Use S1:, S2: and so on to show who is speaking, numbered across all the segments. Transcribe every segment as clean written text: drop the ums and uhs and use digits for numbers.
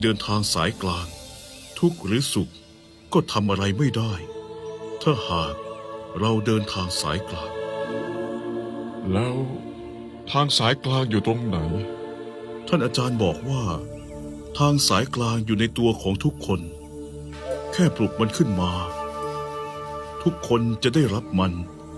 S1: เดินทางสายกลางทุกข์หรือสุขก็ทำอะไรไม่ได้ถ้าหากเราเดินทางสายกลาง
S2: แล้วทางสายกลางอยู่ตรงไหน
S1: ท่านอาจารย์บอกว่าทางสายกลางอยู่ในตัวของทุกคนแค่ปลุกมันขึ้นมาทุกคนจะได้รับมัน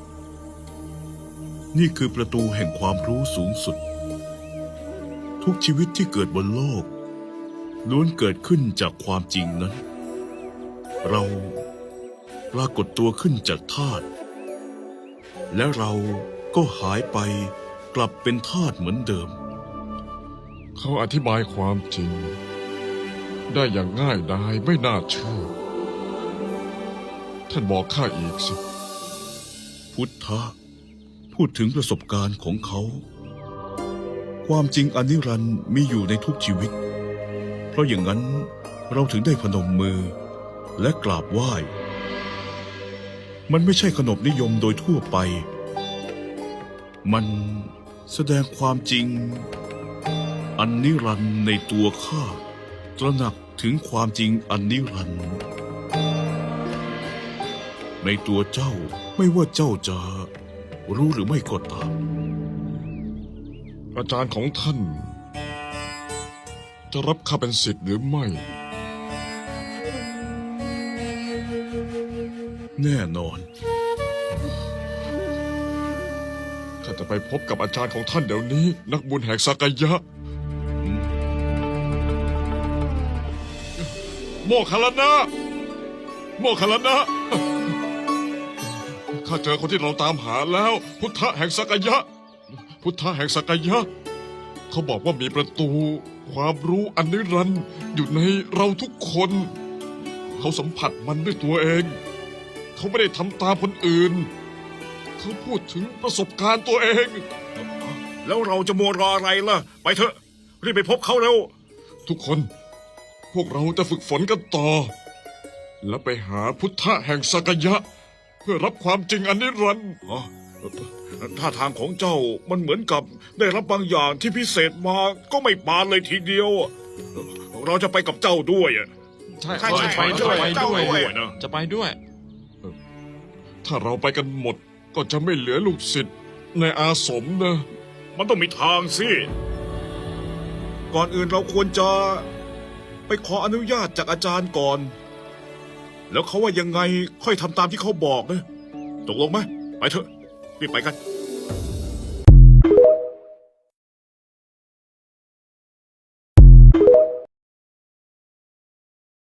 S1: นี่คือประตูแห่งความรู้สูงสุดทุกชีวิตที่เกิดบนโลกล้วนเกิดขึ้นจากความจริงนั้นเราปรากฏตัวขึ้นจากธาตุและเราก็หายไปกลับเป็นธาตุเหมือนเดิม
S2: เขาอธิบายความจริงได้อย่างง่ายดายไม่น่าเชื่อท่านบอกข้าอีกสิ
S1: พุทธะพูดถึงประสบการณ์ของเขาความจริงอนิรันดร์มีอยู่ในทุกชีวิตเพราะอย่างนั้นเราถึงได้พนมมือและกราบไหว้มันไม่ใช่ขนบนิยมโดยทั่วไปมันแสดงความจริงอันนิรันดร์ในตัวข้าตระหนักถึงความจริงอันนิรันดร์ในตัวเจ้าไม่ว่าเจ้าจะรู้หรือไม่ก็ตาม
S2: อาจารย์ของท่านจะรับข้าเป็นศิษย์หรือไม่
S1: แน่นอน
S2: ข้าจะไปพบกับอาจารย์ของท่านเดี๋ยวนี้นักบุญแห่งสักยะโมคคัลลานะโมคคัลลานะข้าเจอคนที่เราตามหาแล้วพุทธะแห่งสักยะพุทธะแห่งสักยะเขาบอกว่ามีประตูความรู้อันนิรันดร์อยู่ในเราทุกคนเขาสัมผัสมันด้วยตัวเองเขาไม่ได้ทำตามคนอื่นเขาพูดถึงประสบการณ์ตัวเอง
S1: แล้วเราจะมัวรออะไรล่ะไปเถอะรีบไปพบเขาเร็ว
S2: ทุกคนพวกเราจะฝึกฝนกันต่อแล้วไปหาพุทธะแห่งสักยะเพื่อรับความจริงอันนิรันดร์
S1: ท่าทางของเจ้ามันเหมือนกับได้รับบางอย่างที่พิเศษมาก็ไม่ปานเลยทีเดียวเราจะไปกับเจ้าด้วย
S3: ใช่ไปด้วยนะจะไปด้วย
S2: ถ้าเราไปกันหมดก็จะไม่เหลือลูกศิษย์ในอาสมนะ
S1: มันต้องมีทางสิก่อนอื่นเราควรจะไปขออนุญาตจากอาจารย์ก่อนแล้วเขาว่ายังไงค่อยทำตามที่เขาบอกนะตกลงไหมไปเถอะรีบไปกัน